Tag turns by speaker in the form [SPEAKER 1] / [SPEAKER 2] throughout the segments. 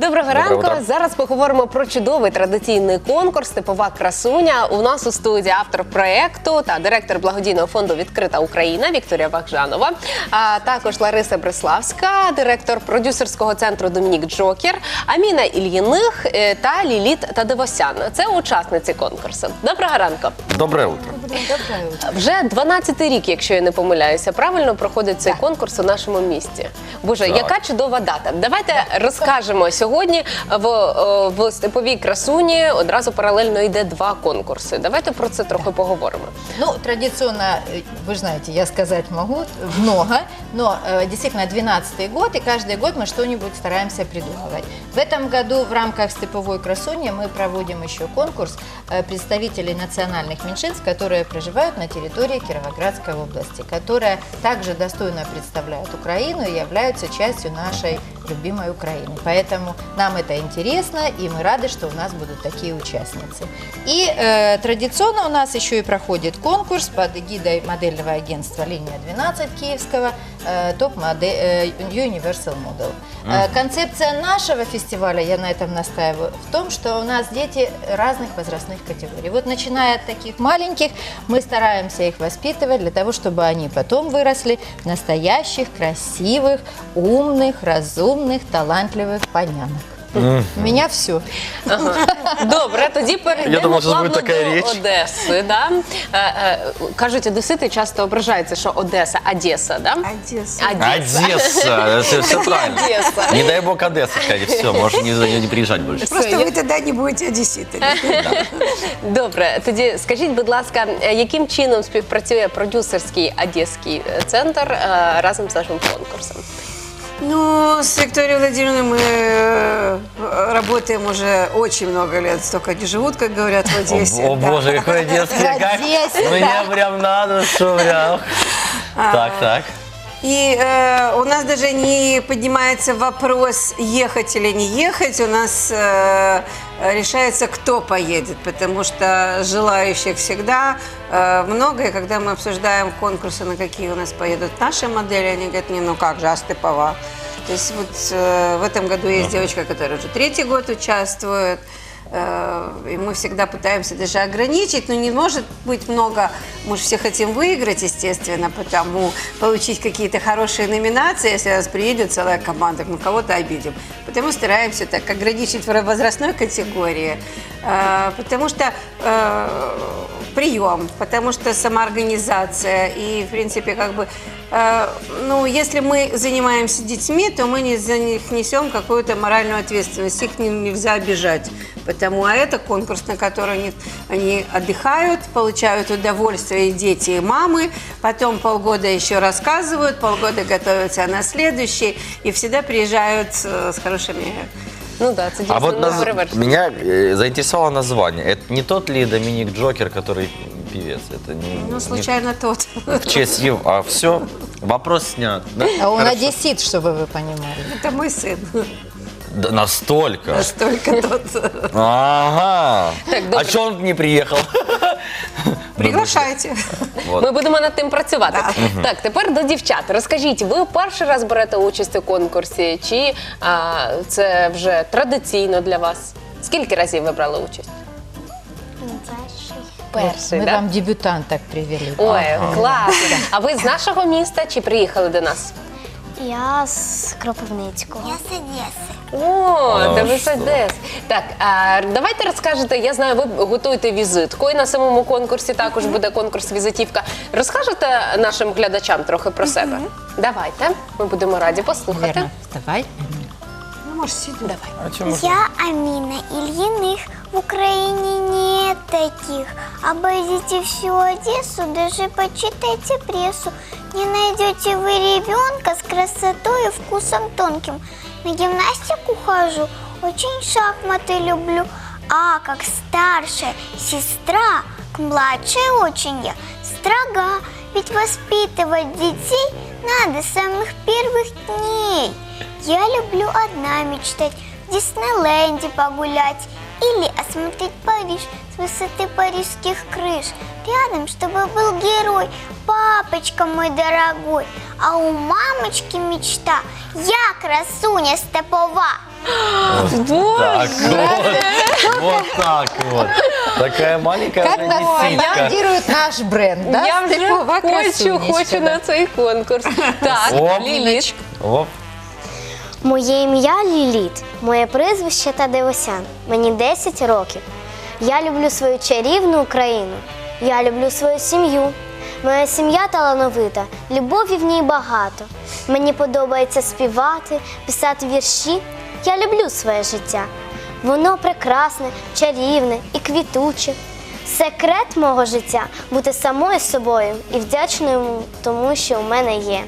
[SPEAKER 1] Доброго ранку. Зараз поговоримо про чудовий традиційний конкурс «Степова красуня». У нас у студії автор проєкту та директор благодійного фонду «Відкрита Україна» Вікторія Вахжанова, а також Лариса Бриславська, директор продюсерського центру «Домінік Джокер», Аміна Ільїних та Ліліт Тадевосян. Це учасниці конкурсу. Доброго ранку.
[SPEAKER 2] Доброе утро.
[SPEAKER 1] Вже 12-й рік, якщо я не помиляюся, правильно проходить цей конкурс у нашому місті. Боже, яка чудова дата. Давайте розкажемо. Сьогодні в «Степовій красуні» одразу паралельно йде два конкурси. Давайте про це трохи поговоримо.
[SPEAKER 3] Ну, традиционно, вы же знаете, я сказать могу, много, но действительно 12-й год, и каждый год мы что-нибудь стараемся придумывать. В этом году в рамках «Степовой красуни» мы проводим еще конкурс представителей национальных меньшинств, которые проживают на территории Кировоградской области, которые также достойно представляют Украину и являются частью нашей любимой Украины. Поэтому нам это интересно, и мы рады, что у нас будут такие участницы. И традиционно у нас еще и проходит конкурс под эгидой модельного агентства «Линия 12» киевского, топ-модель Universal Model. Концепция нашего фестиваля, я на этом настаиваю, в том, что у нас дети разных возрастных категорий. Вот начиная от таких маленьких, мы стараемся их воспитывать для того, чтобы они потом выросли в настоящих, красивых, умных, разумных, талантливых понянок. У меня все.
[SPEAKER 1] Добре, тоді перейдемо плавно до
[SPEAKER 2] річ.
[SPEAKER 1] Одеси. Да? Кажуть, одесити часто ображаються, що Одеса, Одеса, да?
[SPEAKER 4] Одесса.
[SPEAKER 2] Одесса, все правильно.
[SPEAKER 1] Одесса.
[SPEAKER 2] Не дай бог Одесса, скажет, все, можешь не приезжать больше.
[SPEAKER 4] Просто вы тогда не будете одесситами.
[SPEAKER 1] Добре, тоді скажіть, будь ласка, яким чином співпрацює продюсерський одеський центр разом з нашим конкурсом?
[SPEAKER 4] Ну, с Викторией Владимировной мы работаем уже очень много лет. Столько они живут, как говорят в Одессе.
[SPEAKER 2] О боже, какой одесский, как мне прям на душу, прям. Так.
[SPEAKER 4] И у нас даже не поднимается вопрос, ехать или не ехать. У нас решается, кто поедет, потому что желающих всегда много. И когда мы обсуждаем конкурсы, на какие у нас поедут наши модели, они говорят, не, ну как же, а Степова? То есть вот в этом году есть девочка, которая уже 3-й год участвует. И мы всегда пытаемся даже ограничить, но не может быть много, мы же все хотим выиграть, естественно, потому получить какие-то хорошие номинации, если у нас приедет целая команда, мы кого-то обидим. Потому стараемся так ограничить в возрастной категории, потому что прием, потому что самоорганизация и, в принципе, как бы, ну, если мы занимаемся детьми, то мы не за них несем какую-то моральную ответственность, их нельзя обижать. А это конкурс, на который они отдыхают, получают удовольствие и дети, и мамы, потом полгода еще рассказывают, полгода готовятся на следующий, и всегда приезжают с хорошими...
[SPEAKER 1] Ну да, це
[SPEAKER 2] А вот
[SPEAKER 1] перевершено.
[SPEAKER 2] меня заинтересовало название. Это не тот ли Доминик Джокер, который певец? Это не,
[SPEAKER 4] Ну, случайно тот.
[SPEAKER 2] в честь его. А все, вопрос снят. Да?
[SPEAKER 3] А он
[SPEAKER 2] Хорошо.
[SPEAKER 3] одессит, чтобы вы понимали.
[SPEAKER 4] Это мой сын.
[SPEAKER 2] Да, настолько?
[SPEAKER 4] Настолько тот.
[SPEAKER 2] Ага.
[SPEAKER 1] Так,
[SPEAKER 2] А
[SPEAKER 1] добре.
[SPEAKER 2] что он не приехал?
[SPEAKER 4] Приглашайте.
[SPEAKER 2] Вот.
[SPEAKER 1] Ми будемо над тим працювати. Так, тепер до дівчат. Розкажіть, ви перший раз берете участь у конкурсі, чи це вже традиційно для вас? Скільки разів ви брали участь? Перший,
[SPEAKER 3] Мы
[SPEAKER 1] да?
[SPEAKER 3] вам дебютанток привели.
[SPEAKER 1] Ой, класно. А ви з нашого міста чи приїхали до нас?
[SPEAKER 5] Я з Кропивницького. Я з Одеси.
[SPEAKER 1] О, та ви з
[SPEAKER 2] що?
[SPEAKER 1] Одеси. Так, давайте розкажете, я знаю, ви готуєте візитку, і на самому конкурсі також буде конкурс-візитівка. Розкажете нашим глядачам трохи про себе? Давайте, ми будемо раді послухати.
[SPEAKER 3] Верно, вставай.
[SPEAKER 4] Ну, может, сидеть.
[SPEAKER 1] Давай.
[SPEAKER 2] А чё можно?
[SPEAKER 5] Я Аміна Ільїних. В Украине нет таких. Обойдите всю Одессу, даже почитайте прессу. Не найдете вы ребенка с красотой и вкусом тонким. На гимнастику хожу, очень шахматы люблю. А как старшая сестра, к младшей очень я строга. Ведь воспитывать детей надо с самых первых дней. Я люблю одна мечтать, в Диснейленде погулять или осмотреть Париж с высоты парижских крыш. Рядом, чтобы был герой, папочка мой дорогой. А у мамочки мечта, я красуня Степова.
[SPEAKER 2] Так вот так вот. Такая маленькая
[SPEAKER 3] Как нас
[SPEAKER 2] одесситка.
[SPEAKER 3] реагирует наш бренд, да?
[SPEAKER 1] Я вже
[SPEAKER 3] Степова красунечка,
[SPEAKER 1] хочу
[SPEAKER 3] да.
[SPEAKER 1] на цей конкурс. Так,
[SPEAKER 2] Оп.
[SPEAKER 1] Ліліт.
[SPEAKER 2] Оп.
[SPEAKER 6] Моє ім'я Ліліт, моє прізвище Тадеосян. Мені 10 років. Я люблю свою чарівну Україну. Я люблю свою сім'ю. Моя сім'я талановита, любові в ній багато. Мені подобається співати, писати вірші. Я люблю своє життя. Воно прекрасне, чарівне і квітуче. Секрет мого життя – бути самою собою і вдячною тому, що у мене є.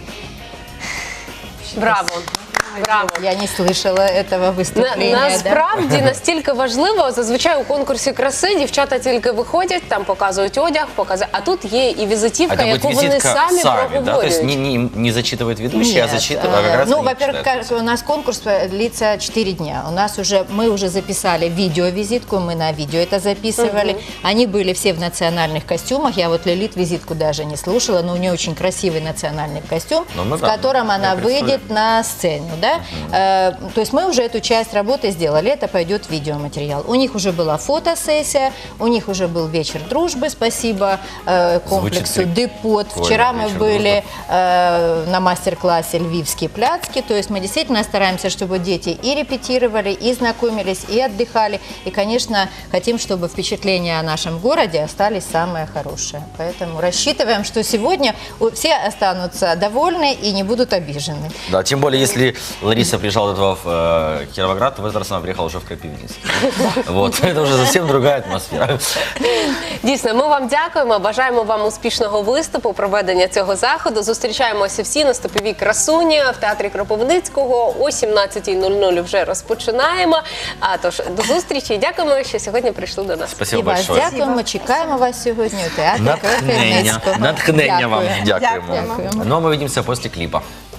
[SPEAKER 1] Браво. Браво.
[SPEAKER 3] Я не слышала этого выступления. да?
[SPEAKER 1] Насправді настільки важливо, зазвичай у конкурсі краси дівчата тільки виходять, там показують одяг, а тут є і візитівка,
[SPEAKER 2] Это будет
[SPEAKER 1] яку вони
[SPEAKER 2] визитка
[SPEAKER 1] самі
[SPEAKER 2] сами, да? То есть
[SPEAKER 1] проговорюють.
[SPEAKER 2] не зачитывает ведущий, а
[SPEAKER 3] Нет,
[SPEAKER 2] зачитывает. А как раз
[SPEAKER 3] ну,
[SPEAKER 2] они
[SPEAKER 3] во-первых,
[SPEAKER 2] читают.
[SPEAKER 3] у нас конкурс длится 4 дня. Мы уже записали видеовизитку, мы на видео это записывали. Они были все в национальных костюмах. Я вот Лилит визитку даже не слушала, но у нее очень красивый национальный костюм,
[SPEAKER 2] Ну, мы
[SPEAKER 3] в
[SPEAKER 2] да,
[SPEAKER 3] котором
[SPEAKER 2] мы
[SPEAKER 3] она
[SPEAKER 2] представляем.
[SPEAKER 3] выйдет на сцену. Да? То есть мы уже эту часть работы сделали, это пойдет видеоматериал. У них уже была фотосессия, у них уже был вечер дружбы, спасибо комплексу
[SPEAKER 2] Звучит
[SPEAKER 3] Депот.
[SPEAKER 2] прикольно,
[SPEAKER 3] Вчера мы
[SPEAKER 2] вечер
[SPEAKER 3] были на мастер-классе «Львивские пляцки», то есть мы действительно стараемся, чтобы дети и репетировали, и знакомились, и отдыхали, и, конечно, хотим, чтобы впечатления о нашем городе остались самые хорошие. Поэтому рассчитываем, что сегодня все останутся довольны и не будут обижены.
[SPEAKER 2] Да, тем более, если Лариса приезжала до этого в Кировоград, то в этот раз она приехала уже в Крапивницкий. Вот, это уже совсем другая атмосфера.
[SPEAKER 1] Дійсно, ми вам дякуємо, бажаємо вам успішного виступу, проведення цього заходу. Зустрічаємося всі на Степовій красуні в театрі Кропивницького. О 17:00 вже розпочинаємо. Тож, до зустрічі і дякуємо, що сьогодні прийшли до нас.
[SPEAKER 2] Спасибо
[SPEAKER 3] І вас
[SPEAKER 2] большое.
[SPEAKER 3] дякуємо, чекаємо вас сьогодні у театрі
[SPEAKER 2] Натхнення.
[SPEAKER 3] Кропивницького.
[SPEAKER 2] Натхнення вам
[SPEAKER 3] Дякую.
[SPEAKER 2] дякуємо.
[SPEAKER 3] Дякуємо.
[SPEAKER 2] Ну, а ми увидимся после клипа.